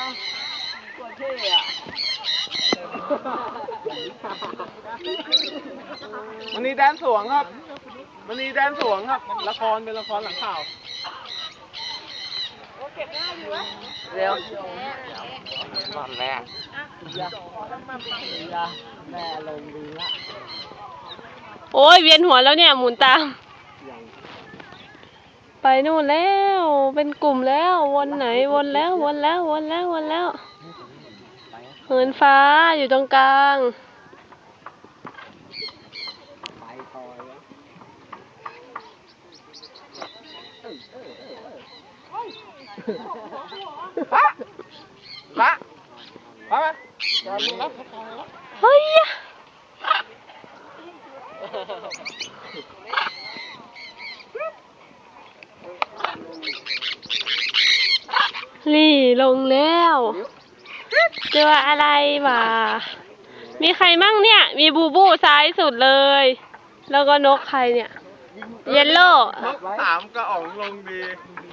กดเท่อะมันนี่แดนสวงครับมันนี่แดนสวงครับละครเป็นละครหลังข่าวเก็บหน้าอยู่วะเร็วตอนแรกแม่ลงดีละโอ้ยเวียนหัวแล้วเนี่ยหมุนตามไปนู่นแล้วเป็นกลุ่มแล้ววนไหนวนแล้วเหินฟ้าอยู่ตรงกลางไปต่อยละมาเฮ้ยนี่ลงแล้วเจออะไรมามีใครมั่งเนี่ยมีบูบูซ้ายสุดเลยแล้วก็นกใครเนี่ยเยลโล่นกสามกระอ๋องลงดี